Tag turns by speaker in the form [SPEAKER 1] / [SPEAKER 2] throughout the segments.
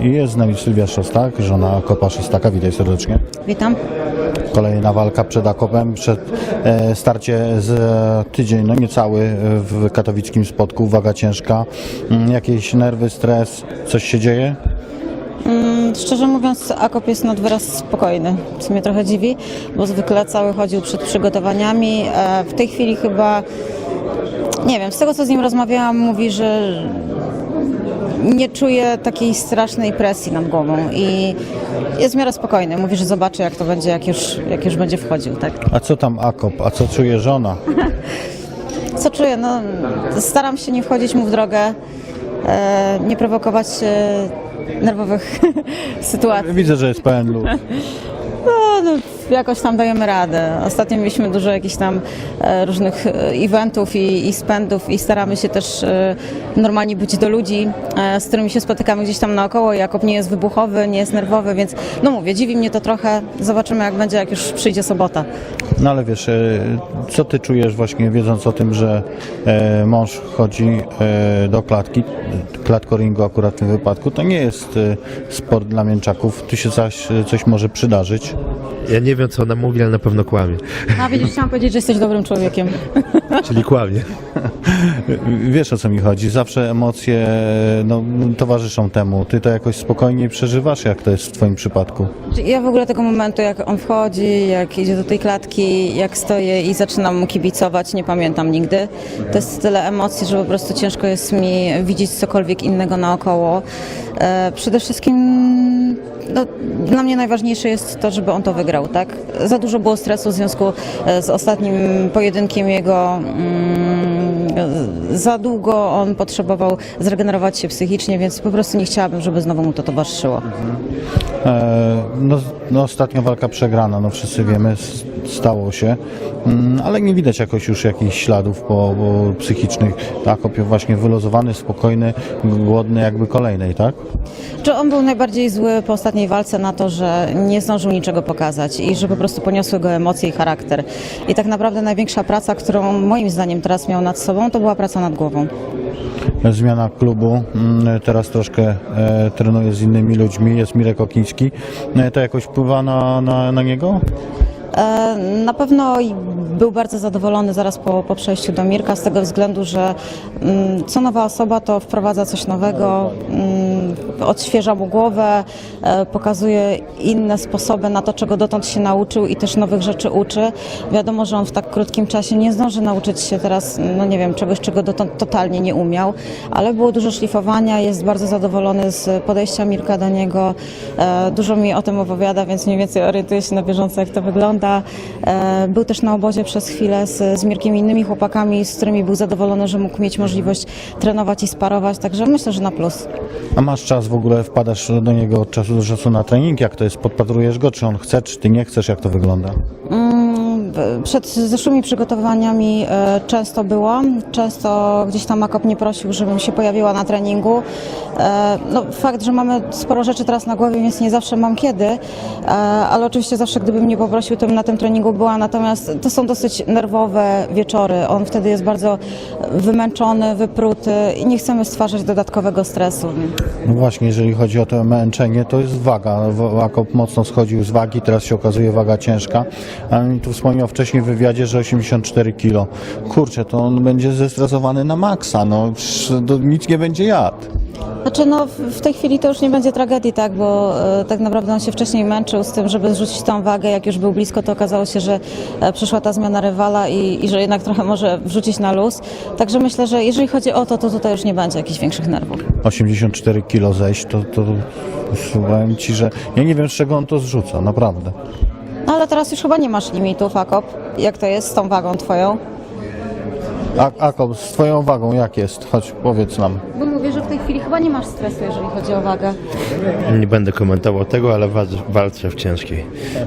[SPEAKER 1] I jest z nami Sylwia Szostak, żona Akopa Szostaka. Witaj serdecznie.
[SPEAKER 2] Witam.
[SPEAKER 1] Kolejna walka przed Akopem, przed starcie z tydzień, no niecały w katowickim Spodku, waga ciężka. Jakieś nerwy, stres, coś się dzieje?
[SPEAKER 2] Szczerze mówiąc, Akop jest nad wyraz spokojny, co mnie trochę dziwi, bo zwykle cały chodził przed przygotowaniami. W tej chwili chyba, nie wiem, z tego co z nim rozmawiałam, mówi, że nie czuje takiej strasznej presji nad głową i jest w miarę spokojny. Mówi, że zobaczy jak to będzie, jak już będzie wchodził, tak?
[SPEAKER 1] A co tam Akop? A co czuje żona?
[SPEAKER 2] Co czuję? No, staram się nie wchodzić mu w drogę, nie prowokować nerwowych sytuacji.
[SPEAKER 1] Widzę, że jest pełen luz.
[SPEAKER 2] No, jakoś tam dajemy radę. Ostatnio mieliśmy dużo jakichś tam różnych eventów i spędów i staramy się też normalnie być do ludzi, z którymi się spotykamy gdzieś tam naokoło. Jakub nie jest wybuchowy, nie jest nerwowy, więc no mówię, dziwi mnie to trochę. Zobaczymy jak będzie, jak już przyjdzie sobota.
[SPEAKER 1] No ale wiesz, co ty czujesz właśnie wiedząc o tym, że mąż chodzi do klatki, klatkoringu akurat w tym wypadku, to nie jest sport dla mięczaków, tu się coś może przydarzyć.
[SPEAKER 3] Ja nie wiem, co ona mówi, ale na pewno kłamie.
[SPEAKER 2] A widzisz, chciałam powiedzieć, że jesteś dobrym człowiekiem.
[SPEAKER 3] Czyli kłamie.
[SPEAKER 1] Wiesz, o co mi chodzi, zawsze emocje no, towarzyszą temu, ty to jakoś spokojniej przeżywasz, jak to jest w twoim przypadku?
[SPEAKER 2] Ja w ogóle tego momentu, jak on wchodzi, jak idzie do tej klatki, jak stoję i zaczynam mu kibicować, nie pamiętam nigdy. To jest tyle emocji, że po prostu ciężko jest mi widzieć cokolwiek innego naokoło. Przede wszystkim no, dla mnie najważniejsze jest to, żeby on to wygrał, tak? Za dużo było stresu w związku z ostatnim pojedynkiem jego. Za długo on potrzebował zregenerować się psychicznie, więc po prostu nie chciałabym, żeby znowu mu to towarzyszyło.
[SPEAKER 1] No ostatnia walka przegrana, no wszyscy wiemy, stało się, ale nie widać jakoś już jakichś śladów psychicznych. Akop właśnie wyluzowany, spokojny, głodny jakby kolejnej, tak?
[SPEAKER 2] Czy on był najbardziej zły po ostatniej walce na to, że nie zdążył niczego pokazać i że po prostu poniosły go emocje i charakter. I tak naprawdę największa praca, którą moim zdaniem teraz miał nad sobą, to była praca nad głową.
[SPEAKER 1] Zmiana klubu, teraz troszkę trenuje z innymi ludźmi, jest Mirek Okiński. To jakoś wpływa na niego?
[SPEAKER 2] Na pewno był bardzo zadowolony zaraz po przejściu do Mirka z tego względu, że co nowa osoba to wprowadza coś nowego, odświeża mu głowę, pokazuje inne sposoby na to, czego dotąd się nauczył i też nowych rzeczy uczy. Wiadomo, że on w tak krótkim czasie nie zdąży nauczyć się teraz, no nie wiem, czegoś, czego dotąd totalnie nie umiał, ale było dużo szlifowania, jest bardzo zadowolony z podejścia Mirka do niego, dużo mi o tym opowiada, więc mniej więcej orientuję się na bieżąco, jak to wygląda. Był też na obozie przez chwilę z Mirkiem i innymi chłopakami, z którymi był zadowolony, że mógł mieć możliwość trenować i sparować, także myślę, że na plus.
[SPEAKER 1] A masz czas w ogóle, wpadasz do niego od czasu do czasu na trening? Jak to jest? Podpatrujesz go? Czy on chce, czy ty nie chcesz? Jak to wygląda?
[SPEAKER 2] Przed zeszłymi przygotowaniami często byłam, często gdzieś tam Akop mnie prosił, żebym się pojawiła na treningu. No, fakt, że mamy sporo rzeczy teraz na głowie, więc nie zawsze mam kiedy, ale oczywiście zawsze gdyby mnie poprosił, to bym na tym treningu była, natomiast to są dosyć nerwowe wieczory. On wtedy jest bardzo wymęczony, wypruty i nie chcemy stwarzać dodatkowego stresu.
[SPEAKER 1] No właśnie, jeżeli chodzi o to męczenie, to jest waga. Akop mocno schodził z wagi, teraz się okazuje waga ciężka. A mi tu wspomniał wcześniej w wywiadzie, że 84 kg. Kurczę, to on będzie zestresowany na maksa, no nic nie będzie jadł.
[SPEAKER 2] Znaczy no w tej chwili to już nie będzie tragedii, tak, bo tak naprawdę on się wcześniej męczył z tym, żeby zrzucić tą wagę, jak już był blisko, to okazało się, że przyszła ta zmiana rywala i że jednak trochę może wrzucić na luz, także myślę, że jeżeli chodzi o to tutaj już nie będzie jakichś większych nerwów.
[SPEAKER 1] 84 kg zejść, to powiem ci, że ja nie wiem z czego on to zrzuca, naprawdę.
[SPEAKER 2] No ale teraz już chyba nie masz limitów, Akop, jak to jest z tą wagą twoją?
[SPEAKER 1] Akop, z twoją wagą jak jest? Chodź, powiedz nam.
[SPEAKER 2] Bo mówię, że w tej chwili chyba nie masz stresu, jeżeli chodzi o wagę.
[SPEAKER 3] Nie będę komentował tego, ale walczę w ciężkiej.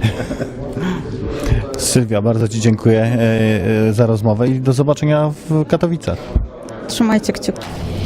[SPEAKER 1] Sylwia, bardzo ci dziękuję za rozmowę i do zobaczenia w Katowicach.
[SPEAKER 2] Trzymajcie kciuki.